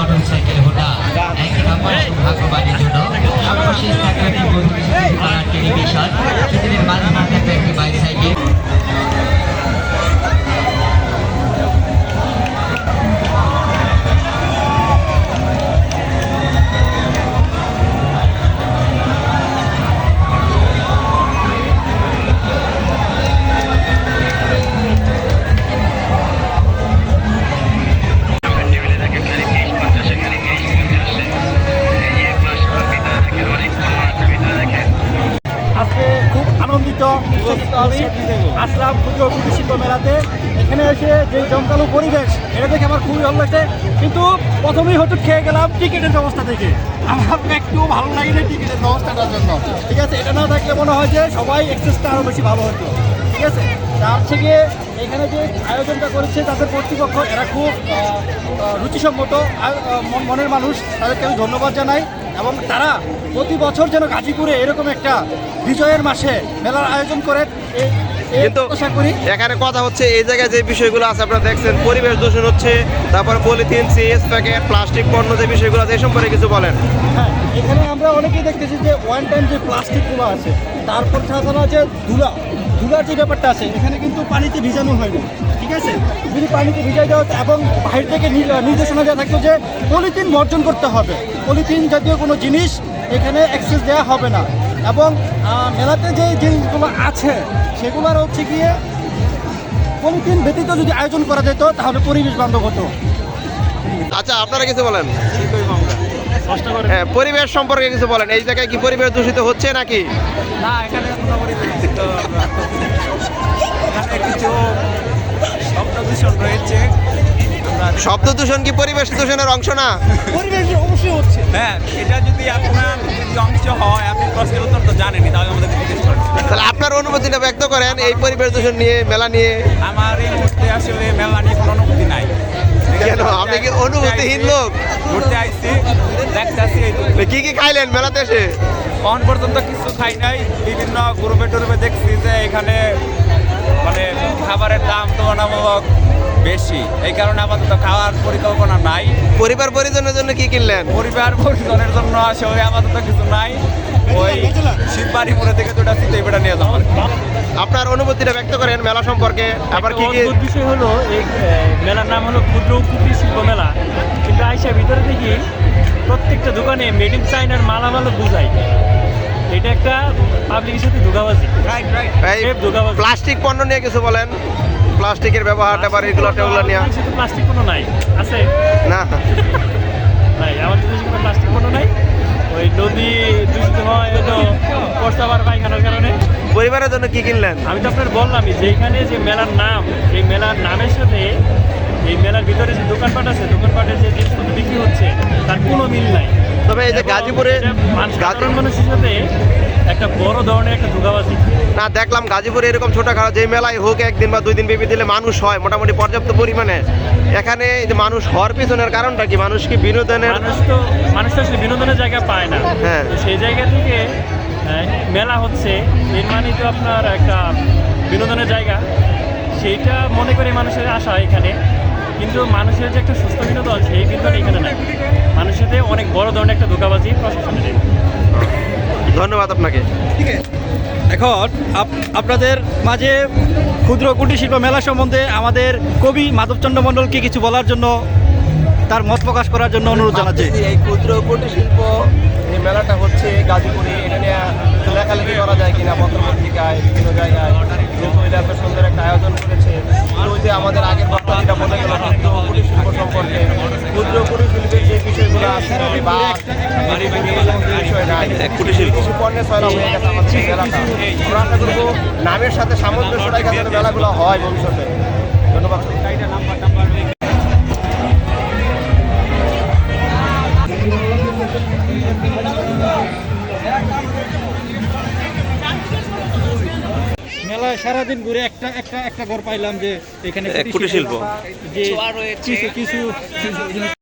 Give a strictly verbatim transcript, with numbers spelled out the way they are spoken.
Motorcycle Honda একই নম্বর সৌভাগ্যবানের জন্য সর্বশেষ থাকবে একটি বত্রিশ কালার টেলিভিশন, পৃথিবীর মাঝখানে থাকবে একটি বাইসাইকেল। আসলাম ক্ষুদ্র কুটির শিল্প মেলাতে। এখানে এসে যে জমকালো পরিবেশ, এটা দেখে আমার খুবই ভালো লাগছে। কিন্তু প্রথমেই হয়তো খেয়ে গেলাম টিকিটের ব্যবস্থা থেকে। আমার একটু ভালো লাগেনি টিকিটের ব্যবস্থাটার জন্য। ঠিক আছে, এটা না থাকলে মনে হয় যে সবাই এক্সেসটা আরও বেশি ভালো হতো। ঠিক আছে, তার থেকে এখানে যে আয়োজনটা করেছে তাদের কর্তৃপক্ষ, এরা খুব রুচিসম্মত মনের মানুষ, তাদেরকে আমি ধন্যবাদ জানাই। এবং তারা প্রতি বছর যেন গাজীপুরে এরকম একটা বিজয়ের মাসে মেলার আয়োজন করে। কিন্তু এখানে কথা হচ্ছে এই জায়গায় যে বিষয়গুলো আছে আপনারা দেখছেন, পরিবেশ দূষণ হচ্ছে, তারপর পলিথিন, সিএস প্যাকেট, প্লাস্টিক পণ্য যে বিষয়গুলো আছে এই সম্পর্কে কিছু বলেন। হ্যাঁ, এখানে আমরা অনেকেই দেখতেছি যে ওয়ান টাইম যে প্লাস্টিকগুলো আছে, তারপর ছাড়া যে ধুলা ধুলার যে ব্যাপারটা আছে, এখানে কিন্তু পানিতে ভিজানো হয়নি। ঠিক আছে, যদি পানিতে ভিজাই দেওয়া এবং বাইরে থেকে নির্দেশনা দেওয়া থাকতো যে পলিথিন বর্জন করতে হবে, পলিথিন জাতীয় কোনো জিনিস এখানে অ্যাক্সেস দেওয়া হবে না। এবং মেলাতে যে জিনিসগুলো আছে সেগুলোর হচ্ছে গিয়ে পলিথিন ব্যতীত যদি আয়োজন করা যেত তাহলে পরিবেশ বান্ধব হতো। আচ্ছা, আপনারা কিছু বলেন। হ্যাঁ, পরিবেশ সম্পর্কে কিছু বলেন। এই জায়গায় কি পরিবেশ দূষিত হচ্ছে নাকি? না, এখানে কোনো পরিবেশ দূষিত, এখানে কিছু শব্দ দূষণ রয়েছে। শব্দ দূষণ কি পরিবেশ দূষণের অংশ না? পরিবেশ অবশ্যই হচ্ছে। হ্যাঁ, এটা যদি আপনার যদি অংশ হয়, আপনি প্রশ্নের উত্তর তো জানেনই, তাহলে আমাদের জিজ্ঞেস করেন। তাহলে আপনার অনুভূতিটা ব্যক্ত করেন এই পরিবেশ দূষণ নিয়ে, মেলা নিয়ে। আমার এই মুহূর্তে আসলে মেলা নিয়ে কোনো অনুভূতি নাই। কেন, আপনি কি অনুভূতিহীন লোক? ঘুরতে আইসি, দেখতে আসি। কি কি খাইলেন মেলাতে এসে? এখন পর্যন্ত কিছু খাই নাই। বিভিন্ন গ্রুপে টুরুপে দেখছি যে এখানে মানে খাবারের দাম তুলনামূলক বেশি, এই কারণে আপাতত খাওয়ার পরিকল্পনা নাই। পরিবার পরিজনের জন্য কি কিনলেন? পরিবার পরিজনের জন্য আসলে আপাতত কিছু নাই। ওই শিববাড়ি মোড়ে থেকে দুটা সিটে বেটা নিয়ে যাবো। আপনার অনুভূতিটা ব্যক্ত করেন মেলা সম্পর্কে। আবার কি কি বিষয় হলো, এই মেলার নাম হলো ক্ষুদ্র কুটির শিল্প মেলা, কিন্তু আইসা ভিতরে দেখি প্রত্যেকটা দোকানে মেড ইন চাইনার মালামালও বুঝাই। এটা একটা পাবলিকের সাথে ধোঁকাবাজি। প্লাস্টিক পণ্য নিয়ে কিছু বলেন। প্লাস্টিকের ব্যবহার, আবার এগুলো টেগুলো নিয়ে। প্লাস্টিক পণ্য নাই আছে না, নাই আমাদের দেশে কোনো প্লাস্টিক পণ্য নাই। ওই নদী দূষিত হয় হয়তো প্রস্তাবার পায়খানার কারণে। পরিবারের জন্য কি কিনলেন? আমি তো আপনার বললামই যে এখানে যে মেলার নাম, এই মেলার নামের সাথে এই মেলার ভিতরে যে দোকানপাট আছে, দোকানপাটের যে জিনিসপত্র বিক্রি হচ্ছে তার কোনো মিল নাই। তবে এই যে গাজীপুরে সাধারণ মানুষের সাথে একটা বড় ধরনের একটা ধোঁকাবাজি। না, দেখলাম গাজীপুরে এরকম ছোটখাটো যে মেলায় হোক একদিন বা দুই দিন বেবি দিলে মানুষ হয় মোটামুটি পর্যাপ্ত পরিমাণে। এখানে যে মানুষ হওয়ার পিছনের কারণটা কি? মানুষ কি বিনোদনের? মানুষ তো মানুষ তো আসলে বিনোদনের জায়গা পায় না। হ্যাঁ, সেই জায়গা থেকে মেলা হচ্ছে, এর মানে তো আপনার একটা বিনোদনের জায়গা, সেইটা মনে করে মানুষের আশা এখানে। কিন্তু মানুষের যে একটা সুস্থ বিনোদন, সেই বিনোদন এখানে নাই। মানুষের সাথে অনেক বড় ধরনের একটা ধোঁকাবাজি প্রশাসনের। ধন্যবাদ আপনাকে। ঠিক আছে, এখন আপনাদের মাঝে ক্ষুদ্র কুটির শিল্প মেলা সম্বন্ধে আমাদের কবি মাধবচন্দ্র মণ্ডলকে কিছু বলার জন্য, তার মত প্রকাশ করার জন্য অনুরোধ জানাচ্ছি। এই ক্ষুদ্র কুটির শিল্প এই মেলাটা হচ্ছে গাজীপুরে, এটা নিয়ে লেখালেখি করা যায় কিনা পত্রপত্রিকায়, বিভিন্ন জায়গায়, যেহেতু এটা এত সুন্দর একটা আয়োজন করেছে। ওই যে আমাদের আগের বক্তা যেটা বলে গেল ক্ষুদ্র কুটির শিল্প সম্পর্কে, ক্ষুদ্র কুটির শিল্পের যে বিষয়গুলো আছে বা বিষয় নাই, কুটির শিল্প কৃষি পণ্যের ছয়লা হয়ে গেছে আমাদের এলাকা। আমরা আশা করবো নামের সাথে সামঞ্জস্য রেখে যেন মেলাগুলো হয় ভবিষ্যতে। ধন্যবাদ। মেলায় সারাদিন ঘুরে একটা একটা একটা ঘর পাইলাম যে এখানে কুটির শিল্প যে কিছু কিছু